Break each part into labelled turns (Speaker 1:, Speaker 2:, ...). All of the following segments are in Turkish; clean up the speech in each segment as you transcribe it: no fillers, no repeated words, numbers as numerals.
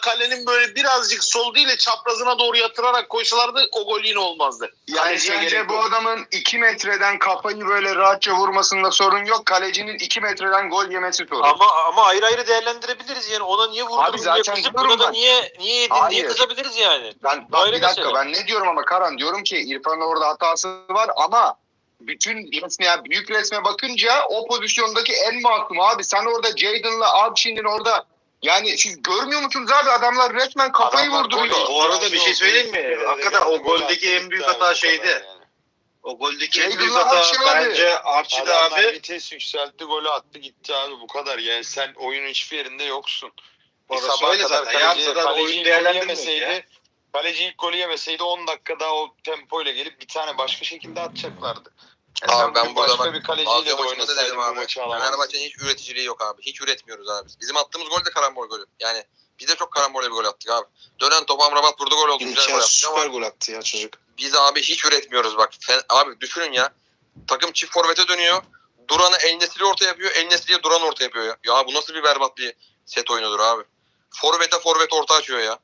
Speaker 1: kalenin böyle birazcık sol değil de çaprazına doğru yatırarak koysalardı o gol yine olmazdı.
Speaker 2: Yani sence bu adamın 2 metreden kafayı böyle rahatça vurmasında sorun yok. Kalecinin 2 metreden gol yemesi sorun.
Speaker 3: Ama ayrı ayrı değerlendirebiliriz yani. Ona niye vurdun?
Speaker 2: Abi zaten
Speaker 3: niye kızıp buna da niye yedin diye kızabiliriz yani.
Speaker 2: Bak bir dakika
Speaker 3: mesela.
Speaker 2: Ben ne diyorum ama Karan, diyorum ki İrfan'ın orada hatası var ama bütün resme, büyük resme bakınca o pozisyondaki en masum abi. Sen orada Jadon'la Abşin'in orada, yani siz görmüyor musunuz abi, adamlar resmen kafayı vurduruyor.
Speaker 4: Bu arada bir şey söyleyeyim mi? Hakikaten o goldeki en büyük hata şeydi. O goldeki en büyük hata bence Archie'de abi.
Speaker 5: Vites yükseltti, golü attı gitti abi, bu kadar. Yani sen oyunun hiçbir yerinde yoksun.
Speaker 4: Orası öyle zaten. Yarın oyun değerlendirmiyor.
Speaker 5: Kaleci ilk golü yemeseydi 10 dakika daha o tempoyla gelip bir tane başka şekilde atacaklardı.
Speaker 6: Abi ben burada
Speaker 5: başka bir kaleciyle de oynasaydın bu maçı alamazsın.
Speaker 6: Fenerbahçe'nin hiç üreticiliği yok abi. Hiç üretmiyoruz abi. Bizim attığımız gol de karambol golü. Yani biz de çok karambol bir gol attık abi. Dönen top Amrabat vurdu, gol oldu. Güzel gol
Speaker 3: süper gol attı ya çocuk.
Speaker 6: Biz abi hiç üretmiyoruz bak. Abi düşünün ya. Takım çift forvete dönüyor. Duran'ı El Nesri orta yapıyor. El Nesri'ye Duran orta yapıyor ya. Ya bu nasıl bir berbat bir set oyunudur abi. Forvet orta açıyor ya.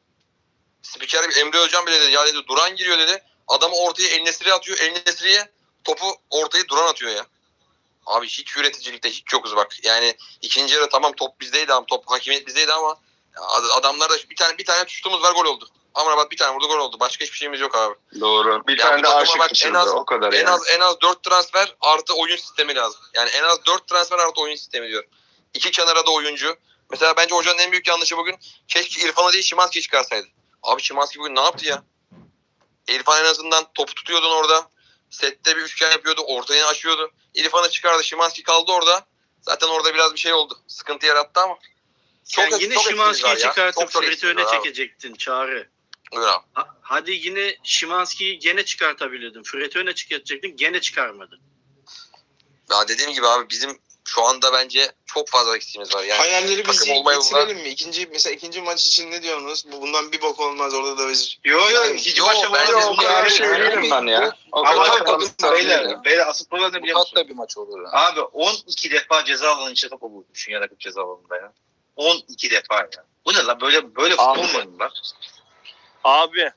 Speaker 6: Spiker Emre Özcan bile dedi. Ya dedi Duran giriyor dedi. Adamı ortaya El Nesri'ye atıyor. El Nesri'ye topu ortayı Duran atıyor ya. Abi hiç üreticilikte hiç yokuz bak. Yani ikinci yarı tamam top bizdeydi ama top hakimiyet bizdeydi ama adamlar da bir tane tuttuğumuz var, gol oldu. Amrabat bir tane vurdu, gol oldu. Başka hiçbir şeyimiz yok abi.
Speaker 2: Doğru. Bir
Speaker 6: yani
Speaker 2: tane de aşık kaçırdı, o kadar yani.
Speaker 6: En az 4 transfer artı oyun sistemi lazım. Yani en az 4 transfer artı oyun sistemi diyor. İki kenara da oyuncu. Mesela bence hocanın en büyük yanlışı bugün, keşke İrfan'ı değil Szymański'yi çıkarsaydı. Abi Szymański bugün ne yaptı ya? İrfan en azından topu tutuyordun orada. Sette bir üçgen yapıyordu. Ortayı açıyordu. İrfan'ı çıkardı. Szymański kaldı orada. Zaten orada biraz bir şey oldu. Sıkıntı yarattı ama.
Speaker 3: Sen yine Szymański'yi çıkartıp Fred'i öne çekecektin Çağrı.
Speaker 6: Buyur abi.
Speaker 3: Hadi yine Szymański'yi gene çıkartabilirdin. Fred'i öne çıkartacaktın. Gene çıkarmadın.
Speaker 6: Ya dediğim gibi abi bizim şu anda bence çok fazla eksiğimiz var. Yani
Speaker 7: hayalleri biz bitirelim mi? İkinci maç için ne diyorsunuz? Bundan bir bok olmaz, orada da biz...
Speaker 4: İkinci maçta
Speaker 6: bence
Speaker 2: o kadar şey değilim ben ya.
Speaker 4: Ama beyler asıl problem ne biliyor musun?
Speaker 6: Tatlı bir maç olur.
Speaker 4: Abi 12 defa ceza alanı içinde top bulmuşsun ya, rakip ceza alanında ya. 12 defa ya. Bu ne lan, böyle futbol mu oynuyorlar?
Speaker 8: Abi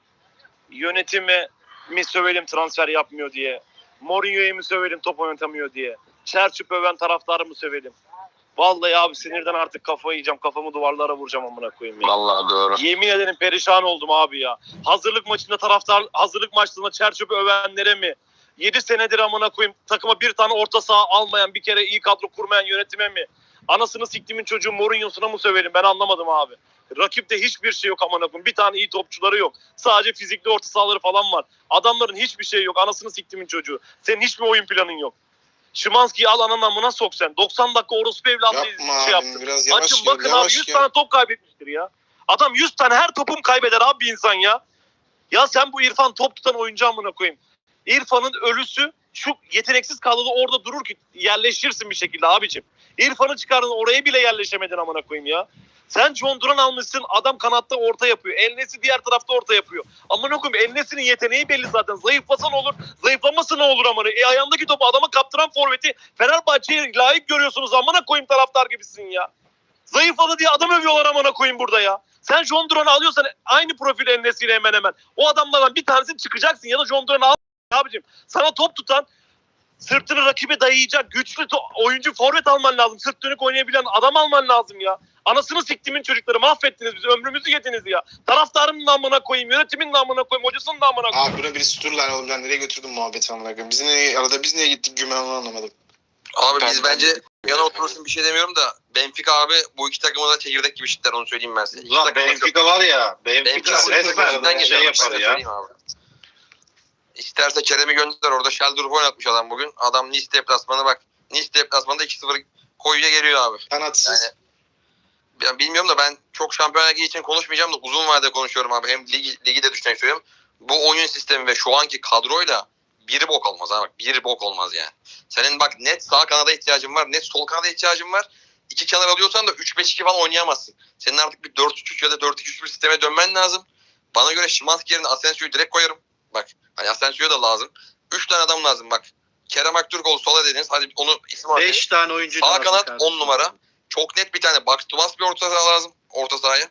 Speaker 8: yönetimi mi sövelim transfer yapmıyor diye. Mourinho'yu mu sövelim top oynatamıyor diye. Çerçüp öven taraftarı mı sövelim? Vallahi abi sinirden artık kafayı yiyeceğim. Kafamı duvarlara vuracağım amına koyayım ya.
Speaker 2: Vallahi doğru.
Speaker 8: Yemin ederim perişan oldum abi ya. Hazırlık maçlarında Çerçüp'ü övenlere mi? 7 senedir amına koyayım takıma bir tane orta saha almayan, bir kere iyi kadro kurmayan yönetime mi? Anasını siktimin çocuğu Mourinho'suna mı sövelim? Ben anlamadım abi. Rakipte hiçbir şey yok amına koyayım. Bir tane iyi topçuları yok. Sadece fizikli orta sahaları falan var. Adamların hiçbir şey yok. Anasını siktimin çocuğu. Senin hiçbir oyun planın yok. Szymański'yi al ananın amına sok sen. 90 dakika orospu evladı şey yaptın. Açın bakın abi 100 tane top kaybetmiştir ya. Adam 100 tane her topum kaybeder abi bir insan ya. Ya sen bu İrfan top tutan oyuncu amına koyayım. İrfan'ın ölüsü şu yeteneksiz kadroda orada durur ki yerleşirsin bir şekilde abicim. İrfan'ı çıkardın, oraya bile yerleşemedin amına koyayım ya. Sen John Duran almışsın, adam kanatta orta yapıyor. El Nesri diğer tarafta orta yapıyor. Amına koyayım, El Nesri'nin yeteneği belli zaten. Zayıflasa ne olur, zayıflaması ne olur amına. Ayağındaki topu adama kaptıran forveti Fenerbahçe'ye layık görüyorsunuz amına koyayım, taraftar gibisin ya. Zayıfladı diye adam övüyorlar amına koyayım burada ya. Sen John Duran'ı alıyorsan aynı profil El Nesri'yle hemen hemen. O adamlardan bir tanesini çıkacaksın ya da John Duran'ı al abicim. Sana top tutan, sırtını rakibe dayayacak güçlü oyuncu forvet alman lazım. Sırt dönük oynayabilen adam alman lazım ya. Anasını siktimin çocukları, mahvettiniz bizi, ömrümüzü yediniz ya. Taraftarımın namına koyayım, yönetimin namına koyayım, hocasının namına koyayım.
Speaker 7: Abi buna birisi dur lan oğlum, ben nereye götürdüm muhabbeti amına koyayım. Biz niye gittik gümen, onu anlamadım.
Speaker 6: Abi biz bence yana oturursun, bir şey demiyorum da Benfica abi bu iki takıma da çekirdek gibi şitler, onu söyleyeyim ben size.
Speaker 4: Ulan Benfica var ya, Benfica resmen şey yapar ya.
Speaker 6: İsterse Kerem'i gönder, orada Sheldorf oynatmış adam bugün. Adam Nice deplasmanı bak. Nice deplasmanında 2-0 koyuya geliyor abi.
Speaker 7: Kanatsız.
Speaker 6: Yani, ben bilmiyorum da ben çok Şampiyonlar Ligi için konuşmayacağım da uzun vadede konuşuyorum abi. Hem ligi de düşünmek istiyorum. Bu oyun sistemi ve şu anki kadroyla bir bok olmaz abi. Bir bok olmaz yani. Senin bak net sağ kanada ihtiyacın var. Net sol kanada ihtiyacın var. İki kenar alıyorsan da 3-5-2 falan oynayamazsın. Senin artık bir 4-3-3 ya da 4-2-3 bir sisteme dönmen lazım. Bana göre Szymański yerine Asensio'yu direkt koyarım. Bak hani Asensio da lazım. 3 tane adam lazım bak. Kerem Aktürkoğlu sola dediniz. Hadi onu isim alın.
Speaker 3: 5 tane oyuncu
Speaker 6: sağ
Speaker 3: lazım.
Speaker 6: Sağ kanat 10 numara. Çok net bir tane box to box bir orta saha lazım. Orta sahaya.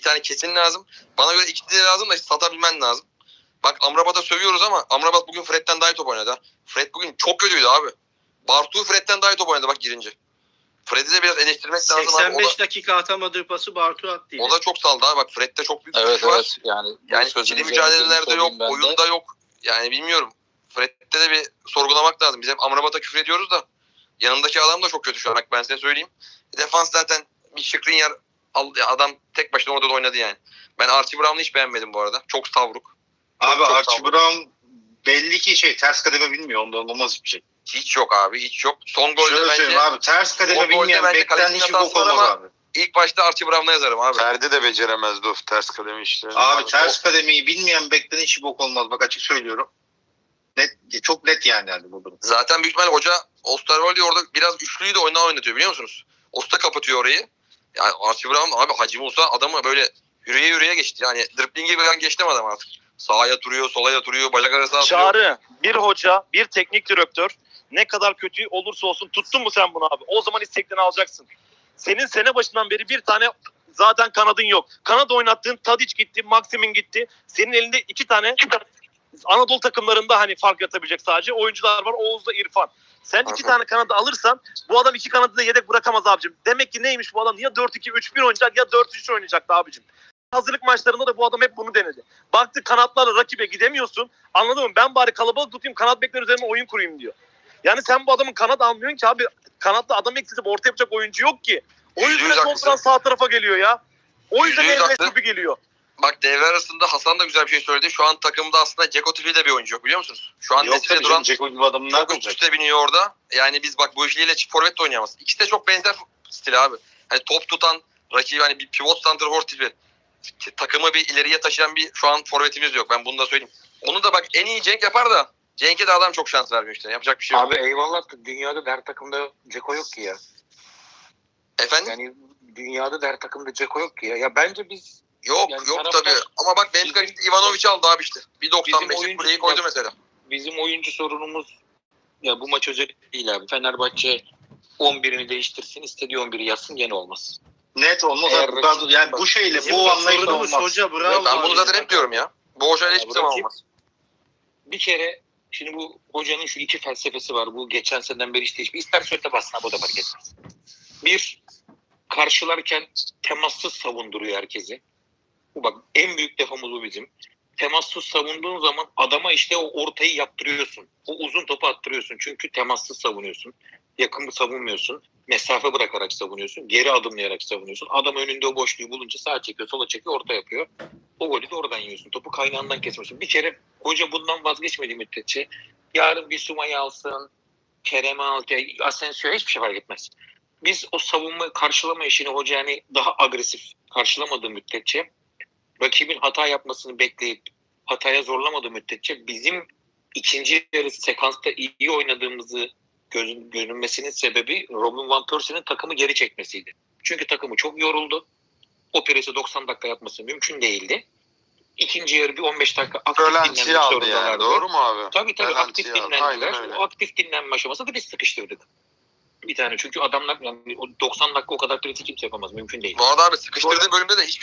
Speaker 6: tane kesin lazım. Bana göre ikisi de lazım da satabilmen lazım. Bak Amrabat'a sövüyoruz ama Amrabat bugün Fred'den daha iyi top oynadı. Fred bugün çok kötüydü abi. Bartu Fred'den daha iyi top oynadı bak girince. Fred'i de biraz eleştirmek lazım abi.
Speaker 3: 85 dakika atamadığı pası Bartu attı yine.
Speaker 6: O da çok saldı abi. Bak Fred'de çok büyük
Speaker 9: Evet
Speaker 6: güç var.
Speaker 9: evet. Yani
Speaker 6: İkili mücadelelerde yok, oyunda yok. Yani bilmiyorum. Fred'de de bir sorgulamak lazım. Biz hep Amrabat'a küfür ediyoruz da yanındaki adam da çok kötü şu an. Bak ben size söyleyeyim. Defans zaten bir Skriniar adam tek başına orada da oynadı yani. Ben Archie Brown'u hiç beğenmedim bu arada. Çok savruk.
Speaker 4: Abi
Speaker 6: Çok
Speaker 4: Archie
Speaker 6: savruk.
Speaker 4: Brown belli ki ters kademe bilmiyor. Ondan olmaz bir şey.
Speaker 6: Hiç yok abi, hiç yok. Son golde
Speaker 4: Şöyle
Speaker 6: bence
Speaker 4: söyleyeyim abi, ters kademe
Speaker 6: o golde
Speaker 4: bilmeyen
Speaker 6: bence
Speaker 4: bekten
Speaker 6: kalecinin
Speaker 4: hiçbir
Speaker 6: hatası
Speaker 4: bok
Speaker 6: var
Speaker 4: olmaz
Speaker 6: ama
Speaker 4: abi.
Speaker 6: ilk başta Archie Brown'a yazarım abi.
Speaker 5: Ferdi de beceremezdi o ters kademe işlerini.
Speaker 4: Abi ters kademeyi bilmeyen bekten hiçbir bok olmaz. Bak açık söylüyorum. Net, çok net yani bu durum.
Speaker 6: Zaten büyük ihtimalle hoca Osterwolde orada biraz üçlüyü de oyundan oynatıyor biliyor musunuz? Osta kapatıyor orayı. Yani Archie Brown abi Hacı Musa adamı böyle yürüye geçti. Yani driblingi ben geçtim adam artık. Sağa yatırıyor, sola yatırıyor, bacak arası atıyor.
Speaker 8: Çağrı, bir hoca, bir teknik direktör ne kadar kötü olursa olsun tuttun mu sen bunu abi? O zaman isteklerini alacaksın. Senin sene başından beri bir tane zaten kanadın yok. Kanat oynattığın Tadic gitti, Maximin gitti. Senin elinde iki tane Anadolu takımlarında hani fark yatabilecek sadece oyuncular var. Oğuz'la İrfan. Sen iki tane kanadı alırsan bu adam iki kanadı da yedek bırakamaz abicim. Demek ki neymiş bu adam? Ya 4-2-3-1 oynayacak ya 4-3 oynayacaktı abicim. Hazırlık maçlarında da bu adam hep bunu denedi. Baktı kanatlarla rakibe gidemiyorsun. Anladın mı? Ben bari kalabalık tutayım, kanat bekler üzerine oyun kurayım diyor. Yani sen bu adamın kanat almıyorsun ki abi. Kanatta adam eksiltip orta yapacak oyuncu yok ki. O yüzden
Speaker 6: %100 haklısın.
Speaker 8: konferans sağ tarafa geliyor ya. O yüzden
Speaker 6: %100
Speaker 8: el
Speaker 6: haklı.
Speaker 8: Mesut'u geliyor.
Speaker 6: Bak devre arasında Hasan da güzel bir şey söyledi. Şu an takımda aslında Ceko tipi de bir oyuncu yok biliyor musunuz? Şu an
Speaker 4: Yok
Speaker 6: Nesli'de
Speaker 4: tabii
Speaker 6: duran
Speaker 4: canım. Ceko gibi adamın
Speaker 6: çok
Speaker 4: nerede
Speaker 6: üst
Speaker 4: olacak?
Speaker 6: üste biniyor orada. Yani biz bak bu ikiliyle çift forvet de oynayamaz. İkisi de çok benzer stil abi. Hani top tutan rakibi hani bir pivot santrafor tipi. Takımı bir ileriye taşıyan bir şu an forvetimiz yok. Ben bunu da söyleyeyim. Onu da bak en iyi Cenk yapar da Cenk'e de adam çok şans vermiyor işte. Yapacak bir şey yok.
Speaker 9: Abi eyvallah da dünyada der takımda Ceko yok ki ya.
Speaker 6: Efendim?
Speaker 9: Yani dünyada der takımda Ceko yok ki ya. Ya bence biz
Speaker 6: Yok
Speaker 9: yani
Speaker 6: yok
Speaker 9: taraftar-
Speaker 6: tabii. Ama bak Benfica
Speaker 9: Bizim-
Speaker 6: gitti Ivanovic aldı abi işte. Bir
Speaker 9: Bizim
Speaker 6: 95'lik
Speaker 9: oyuncu-
Speaker 6: kuleyi koydu mesela.
Speaker 9: bizim oyuncu sorunumuz ya bu maç özel değil abi. Fenerbahçe 11'ini değiştirsin, istediği 11'i yazsın gene olmaz.
Speaker 4: Net olmaz
Speaker 9: Eğer
Speaker 4: abi. Yani bu şeyle
Speaker 3: Bizim
Speaker 4: bu
Speaker 3: de
Speaker 4: anlayışla
Speaker 3: sorunumuz
Speaker 4: olmaz.
Speaker 3: hoca bravo.
Speaker 6: Ben bunu
Speaker 3: abi.
Speaker 6: zaten hep diyorum ya. Bu hocayla hiçbir zaman
Speaker 9: Rakip-
Speaker 6: olmaz.
Speaker 9: Bir kere şimdi bu hocanın şu iki felsefesi var. Bu geçen seneden beri işte ister söyle bassın abi o da fark etmez. Bir, karşılarken temassız savunduruyor herkesi. Bu bak en büyük defamız bu bizim. Temassız savunduğun zaman adama işte o ortayı yaptırıyorsun. O uzun topu attırıyorsun. Çünkü temassız savunuyorsun. Yakın savunmuyorsun. Mesafe bırakarak savunuyorsun. Geri adımlayarak savunuyorsun. Adam önünde o boşluğu bulunca sağa çekiyor, sola çekiyor, orta yapıyor. O golü de oradan yiyorsun. Topu kaynağından kesmiyorsun. Bir kere hoca bundan vazgeçmediği müddetçe yarın bir Suma'yı alsın, Kerem'i al, Asensio'ya hiçbir şey fark etmez. Biz o savunma karşılama işini hoca yani daha agresif karşılamadığı müddetçe rakibin hata yapmasını bekleyip hataya zorlamadığı müddetçe bizim ikinci yarı sekansta iyi oynadığımızı görünmesinin sebebi Robin Van Persie'nin takımı geri çekmesiydi. Çünkü takımı çok yoruldu. O presi 90 dakika yapması mümkün değildi. İkinci yarı bir 15 dakika aktif
Speaker 5: Rölantiye
Speaker 9: dinlenmek
Speaker 5: aldı yani.
Speaker 9: zorundalardı.
Speaker 5: Doğru mu abi?
Speaker 9: Tabii
Speaker 5: Rölantiye
Speaker 9: aktif
Speaker 5: aldı.
Speaker 9: dinlendiler.
Speaker 5: Aynen öyle.
Speaker 9: O aktif dinlenme aşamasında da biz sıkıştırdık. Bir tane çünkü adamlar yani o 90 dakika o kadar presi kimse yapamaz. Mümkün değil.
Speaker 6: Bu arada abi sıkıştırdığı bölümde de hiç